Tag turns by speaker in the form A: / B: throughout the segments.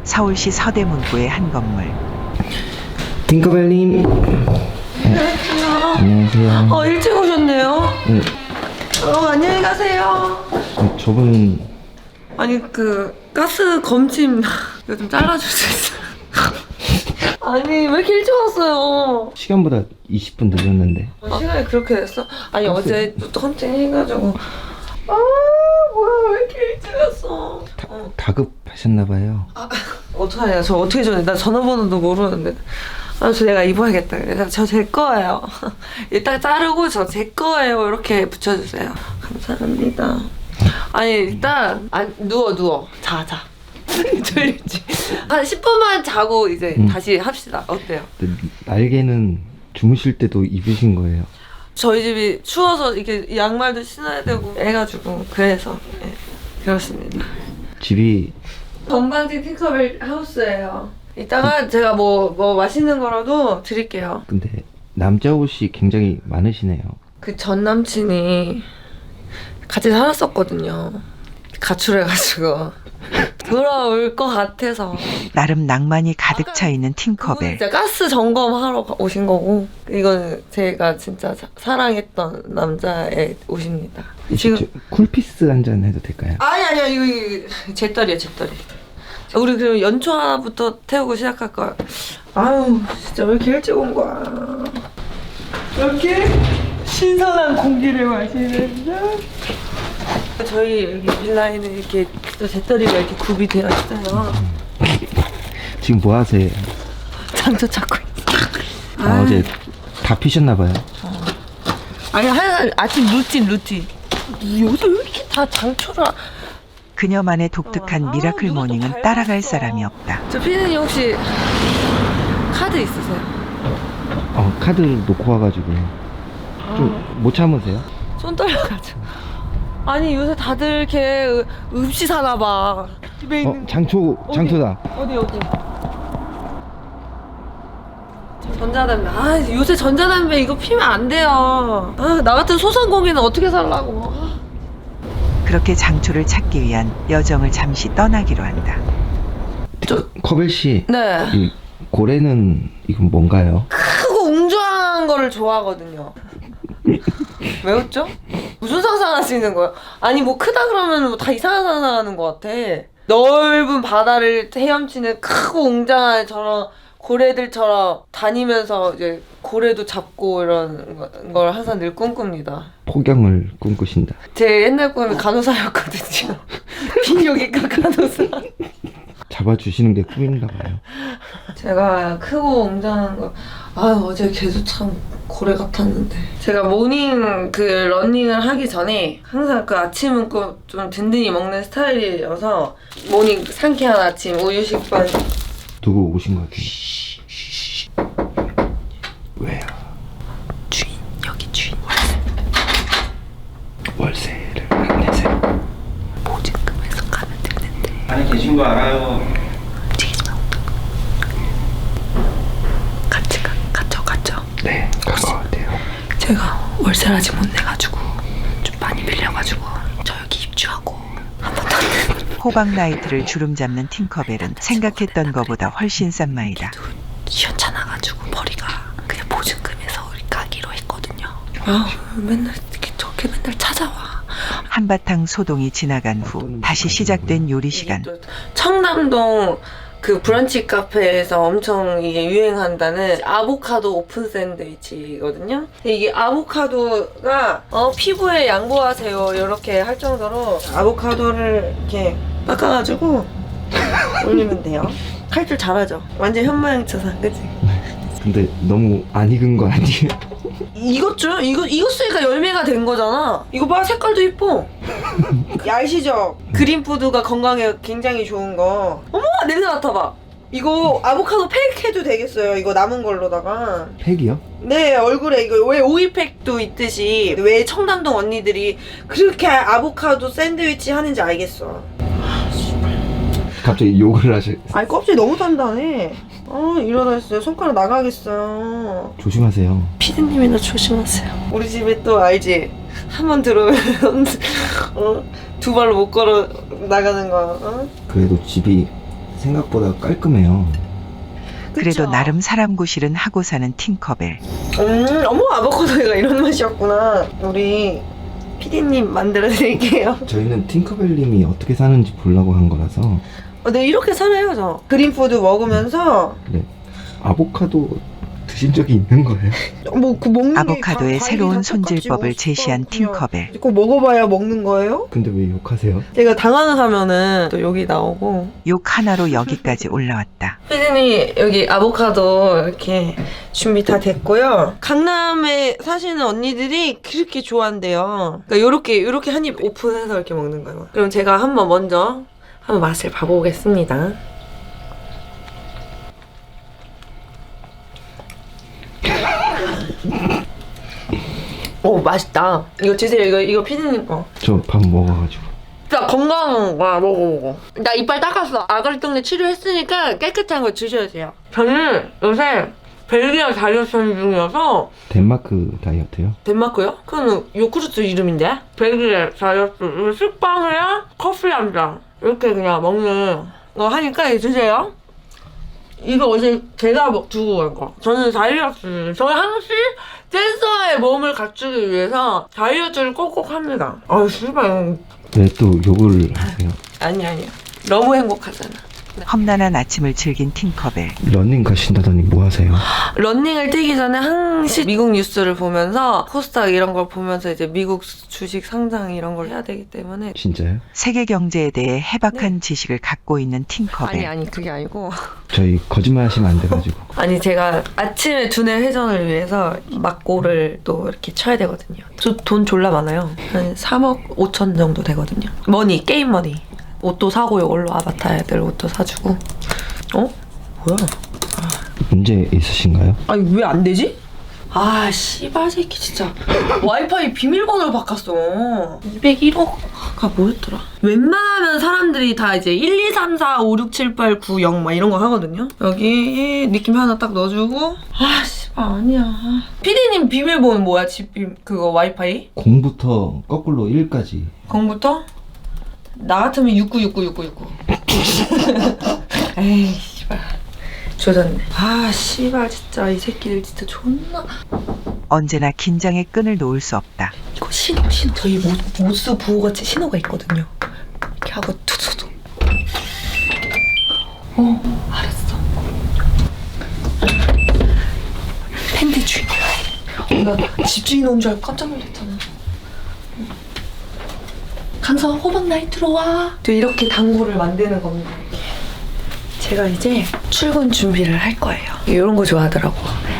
A: 서울시 서대문구의 한 건물.
B: 팅커벨님. 안녕하세요.
C: 일찍 오셨네요.
B: 네.
C: 안녕히 가세요.
B: 저분은
C: 아니 가스 검침 이거 좀 잘라줄 수 있어요? 아니 왜 이렇게 일찍 왔어요?
B: 시간보다 20분 늦었는데.
C: 시간이 그렇게 됐어? 아니 어제 또 헌팅 해가지고 뭐야 왜 이렇게 일찍 왔어?
B: 다급하셨나봐요.
C: 어떡하냐 저 어떻게 전해 나 전화번호도 모르는데 저 내가 입어야겠다 그래서 저 제 거예요. 일단 자르고 저 제 거예요 이렇게 붙여주세요. 감사합니다. 아니 일단 누워 자 졸리지? 한 10분만 자고 이제 다시 합시다. 어때요?
B: 날개는 주무실 때도 입으신 거예요?
C: 저희 집이 추워서 이렇게 양말도 신어야 되고 해가지고 그래서 그렇습니다.
B: 집이
C: 건강지 팅커벨 하우스예요. 이따가 제가 뭐 맛있는 거라도 드릴게요.
B: 근데 남자 옷이 굉장히 많으시네요.
C: 그 전 남친이 같이 살았었거든요. 가출해가지고 돌아올 것 같아서.
A: 나름 낭만이 가득 차 있는
C: 그분은
A: 팅커벨.
C: 진짜 가스 점검하러 오신 거고 이건 제가 진짜 사랑했던 남자의 옷입니다. 지금
B: 쿨피스 한 잔 해도 될까요?
C: 아니 이거 제 딸이야 제 딸이. 우리 그럼 연초 하나부터 태우고 시작할 거야. 아유 진짜 왜 이렇게 일찍 온 거야. 이렇게 신선한 공기를 마시면서 저희 여기 빌라에는 이렇게 또 재떨이가 이렇게 굽이 되어 있어요.
B: 지금 뭐 하세요?
C: 장초 찾고 있어.
B: 어제 다 피셨나봐요.
C: 아니 아침 루틴. 요새 왜 이렇게 다 장초를
A: 그녀만의 독특한 미라클 모닝은 따라갈 사람이 없다.
C: 저 피디님 혹시 카드 있으세요?
B: 카드를 놓고 와가지고 좀 못 참으세요?
C: 손 떨려가지고. 아니 요새 다들 이렇게 읍시 사나 봐. 집에 있는
B: 장초다.
C: 어디 전자담배. 요새 전자담배 이거 피면 안 돼요. 나 같은 소상공인은 어떻게 살라고.
A: 그렇게 장초를 찾기 위한 여정을 잠시 떠나기로 한다.
B: 커벨 씨.
C: 네.
B: 이 고래는 이건 뭔가요?
C: 크고 웅장한 거를 좋아하거든요. 왜 웃죠? 무슨 상상하시는 거예요? 아니 뭐 크다 그러면 뭐 다 이상한 상상하는 것 같아. 넓은 바다를 헤엄치는 크고 웅장한 저런 고래들처럼 다니면서 이제 고래도 잡고 이런 걸 항상 늘 꿈꿉니다.
B: 폭염을 꿈꾸신다.
C: 제 옛날 꿈이 간호사였거든요. 비뇨기과 간호사.
B: 잡아주시는 게 꿈인가 봐요.
C: 제가 크고 웅장한 거 어제 걔도 참 고래 같았는데 제가 모닝 러닝을 하기 전에 항상 아침은 꼭 좀 든든히 먹는 스타일이어서 모닝 상쾌한 아침 우유 식빵.
B: 누구 오신 것 같아요? 왜요?
C: 여기 주인
B: 월세를 안 내세요?
C: 보증금에서 가면 되는데
B: 안에 계신 거 알아요.
C: 갔죠.
B: 네, 가까워요.
C: 제가 월세를 아직 못 내가지고 좀 많이 빌려가지고 저 여기 입주하고 한 번도 안 내는.
A: 호박 나이트를 주름 잡는 팅커벨은 생각했던 것보다 훨씬 싼 마이다.
C: 시원찮아가지고 머리가 그냥 보증금에서 우리 까기로 했거든요. 맨날 저렇게 맨날 찾아와.
A: 한바탕 소동이 지나간 후 다시 시작된 요리 시간.
C: 청담동 브런치 카페에서 엄청 이게 유행한다는 아보카도 오픈 샌드위치거든요. 이게 아보카도가 피부에 양보하세요 이렇게 할 정도로 아보카도를 이렇게 깎아가지고 올리면 돼요. 칼질 잘하죠? 완전 현모양처럼 그치?
B: 근데 너무 안 익은 거 아니에요?
C: 익었죠? 익었으니까 열매가 된 거잖아. 이거 봐 색깔도 이뻐. 아시죠? 그린푸드가 건강에 굉장히 좋은 거. 어머 냄새 맡아봐. 이거 아보카도 팩 해도 되겠어요. 이거 남은 걸로다가.
B: 팩이요?
C: 네 얼굴에 이거 왜 오이팩도 있듯이 왜 청담동 언니들이 그렇게 아보카도 샌드위치 하는지 알겠어.
B: 갑자기 욕을 하실.
C: 아니 껍질 너무 단단해. 이러다 진짜 손가락 나가겠어.
B: 조심하세요.
C: 피디님이나 조심하세요. 우리 집에 또 알지? 한 번 들어오면 두 발로 못 걸어 나가는 거.
B: 그래도 집이 생각보다 깔끔해요.
A: 그래도
C: 그쵸?
A: 나름 사람 구실은 하고 사는 팅커벨.
C: 어머, 아보카도가 이런 맛이었구나. 우리 피디님 만들어 드릴게요.
B: 저희는 팅커벨님이 어떻게 사는지 보려고 한 거라서.
C: 네, 이렇게 살아요, 저. 그린푸드 먹으면서
B: 네. 아보카도 드신 적이 있는 거예요?
C: 뭐 그 먹는
A: 아보카도의 새로운 손질법을 제시한 팅커벨.
C: 꼭 먹어봐야 먹는 거예요?
B: 근데 왜 욕하세요?
C: 제가 당황하면은 또 여기 나오고.
A: 욕 하나로 여기까지 올라왔다.
C: 피디님 여기 아보카도 이렇게 준비 다 됐고요. 강남에 사시는 언니들이 그렇게 좋아한대요. 그러니까 요렇게 한 입 오픈해서 이렇게 먹는 거예요. 그럼 제가 먼저 한번 맛을 봐보겠습니다. 오, 맛있다. 이거 드세요. 이거 피디님 거.
B: 저 밥 먹어가지고.
C: 진짜 건강한 거야. 먹어. 나 이빨 닦았어. 아가리 동네 치료했으니까 깨끗한 거 드셔야 돼요. 저는 요새 벨기에 다이어트 중이어서.
B: 덴마크 다이어트요?
C: 덴마크요? 그건 요구르트 이름인데? 벨기에 다이어트. 식빵이랑 커피 한 잔. 이렇게 그냥 먹는 거 하니까 이거 드세요. 이거 어제 제가 두고 간 거. 저는 다이어트. 저희 한국식 댄서의 몸을 갖추기 위해서 다이어트를 꼭꼭 합니다. 아유, 씨발.
B: 왜 또 욕을 하세요?
C: 아니야. 너무 행복하잖아.
A: 험난한 아침을 즐긴 팅커벨.
B: 러닝 가신다더니 뭐 하세요?
C: 런닝을 뛰기 전에 항시 미국 뉴스를 보면서 코스닥 이런 걸 보면서 이제 미국 주식 상장 이런 걸 해야 되기 때문에.
B: 진짜요?
A: 세계 경제에 대해 해박한 지식을 갖고 있는 팅커벨.
C: 아니 그게 아니고.
B: 저희 거짓말 하시면 안 돼가지고.
C: 아니 제가 아침에 두뇌 회전을 위해서 막고를 또 이렇게 쳐야 되거든요. 저 돈 졸라 많아요. 한 3억 5천 정도 되거든요. 머니, 게임 머니. 옷도 사고 이걸로 아바타 애들 옷도 사주고. 어? 뭐야?
B: 문제 있으신가요?
C: 아니 왜 안 되지? 아 씨발 새끼 진짜 와이파이 비밀번호를 바꿨어. 201호가 뭐였더라? 웬만하면 사람들이 다 이제 1, 2, 3, 4, 5, 6, 7, 8, 9, 0 막 이런 거 하거든요. 여기 느낌 하나 딱 넣어주고. 아 씨발 아니야. 피디님 비밀번호 뭐야? 집 그거 와이파이?
B: 0부터 거꾸로 1까지.
C: 0부터? 나 같으면 69696969. 에이 씨발 조졌네. 아 씨발 진짜 이 새끼들 진짜 존나.
A: 언제나 긴장의 끈을 놓을 수 없다.
C: 이거 신호 저희 모스 부호같이 신호가 있거든요. 이렇게 하고 투투투. 알았어. 팬티 주인이야. 나 집주인 온 줄 알고 깜짝 놀랐잖아. 강서 호박 나이트로 와. 또 이렇게 단골을 만드는 겁니다. 제가 이제 출근 준비를 할 거예요. 이런 거 좋아하더라고.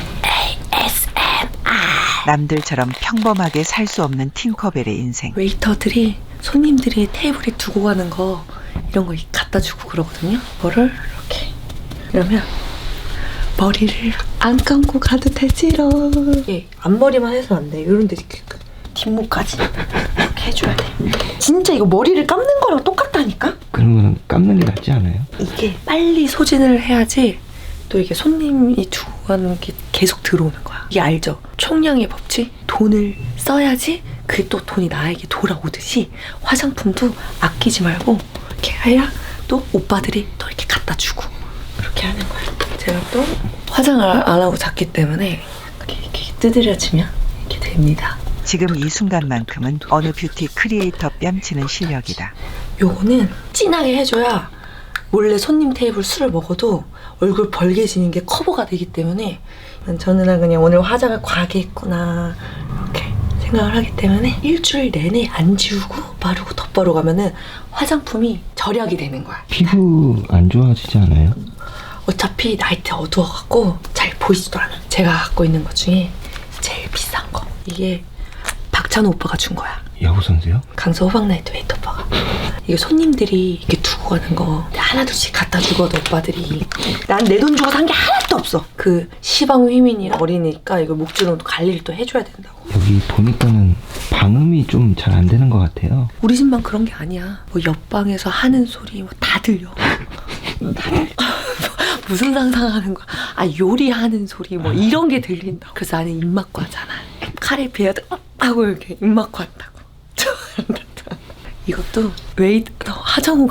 A: 남들처럼 평범하게 살 수 없는 팅커벨의 인생.
C: 웨이터들이 손님들이 테이블에 두고 가는 거 이런 거 갖다 주고 그러거든요. 뭐를 이렇게 이러면 머리를 안 감고 가도 되지롱. 예, 앞머리만 해서 안 돼. 이런 데 이렇게 뒷목까지 이렇게 해줘야 돼. 진짜 이거 머리를 감는 거랑 똑같다니까?
B: 그러면 감는 게 낫지 않아요?
C: 이게 빨리 소진을 해야지 또 이게 손님이 두고 가는 게 계속 들어오는 거야. 이게 알죠? 총량의 법칙? 돈을 써야지 그게 또 돈이 나에게 돌아오듯이 화장품도 아끼지 말고 이렇게 해야 또 오빠들이 또 이렇게 갖다 주고 그렇게 하는 거야. 제가 또 화장을 안 하고 잤기 때문에 이렇게 두드려지면 이렇게 됩니다.
A: 지금 이 순간만큼은 어느 뷰티 크리에이터 뺨치는 실력이다.
C: 요거는 진하게 해줘야 원래 손님 테이블 술을 먹어도 얼굴 벌게지는 게 커버가 되기 때문에 저는 그냥 오늘 화장을 과하게 했구나 이렇게 생각을 하기 때문에 일주일 내내 안 지우고 바르고 덧바르고 가면은 화장품이 절약이 되는 거야.
B: 피부 안 좋아지지 않아요?
C: 어차피 나이트 어두워갖고 잘 보이지도 않아. 제가 갖고 있는 것 중에 제일 비싼 거 이게 박찬호 오빠가 준 거야.
B: 야구 선수요?
C: 강서 호박나이트 웨이터 오빠가. 이거 손님들이 이렇게 두고 가는 거 하나둘씩 갖다 주거든 오빠들이. 난 내 돈 주고 산 게 하나도 없어. 그 시방 휘민이랑 어리니까 이거 목줄은 갈 일 또 해줘야 된다고.
B: 여기 보니까는 방음이 좀 잘 안 되는 것 같아요.
C: 우리 집만 그런 게 아니야. 뭐 옆방에서 하는 소리 뭐 다 들려. 다 들려. 무슨 상상하는 거야? 아 요리하는 소리 뭐 이런 게 들린다. 그래서 나는 입막고 하잖아. 카레 비어도 하고 이렇게 입막고 한다고. 이것도 웨이터 하정우가 줬잖아.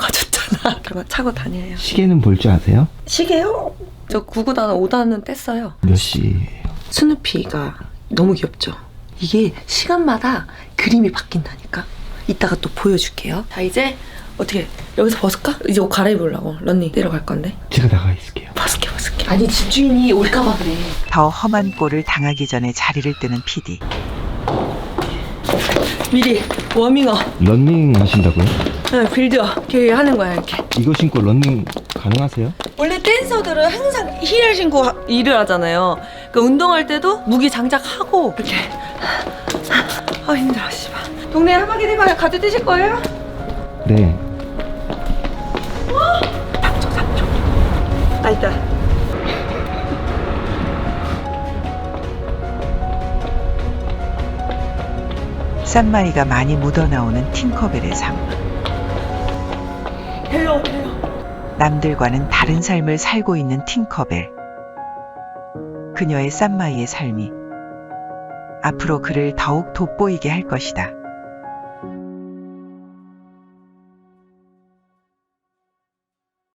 C: 차고 다녀요.
B: 시계는 볼 줄 아세요?
C: 시계요? 저 9구단 5단은 뗐어요.
B: 몇 시?
C: 스누피가 너무 귀엽죠? 이게 시간마다 그림이 바뀐다니까? 이따가 또 보여줄게요. 자, 이제 어떻게 여기서 벗을까? 이제 옷 갈아입으려고 런닝 뛰러 갈 건데.
B: 제가 나가 있을게요.
C: 벗을게. 아니, 집주인이 올까봐 그래.
A: 더 험한 꼴을 당하기 전에 자리를 뜨는 PD.
C: 미리 워밍업.
B: 런닝 하신다고요?
C: 네, 빌드업 이렇게 하는 거야, 이렇게.
B: 이거 신고 런닝 가능하세요?
C: 원래 댄서들은 항상 힐을 신고 일을 하잖아요. 그러니까 운동할 때도 무기 장착하고 이렇게. 힘들어, 씨발. 동네 한바퀴 대방 가드 뛰실 거예요?
B: 네.
C: 3초. 아, 있다.
A: 싼마이가 많이 묻어나오는 팅커벨의 삶.
C: 돼요.
A: 남들과는 다른 삶을 살고 있는 팅커벨. 그녀의 싼마이의 삶이 앞으로 그를 더욱 돋보이게 할 것이다.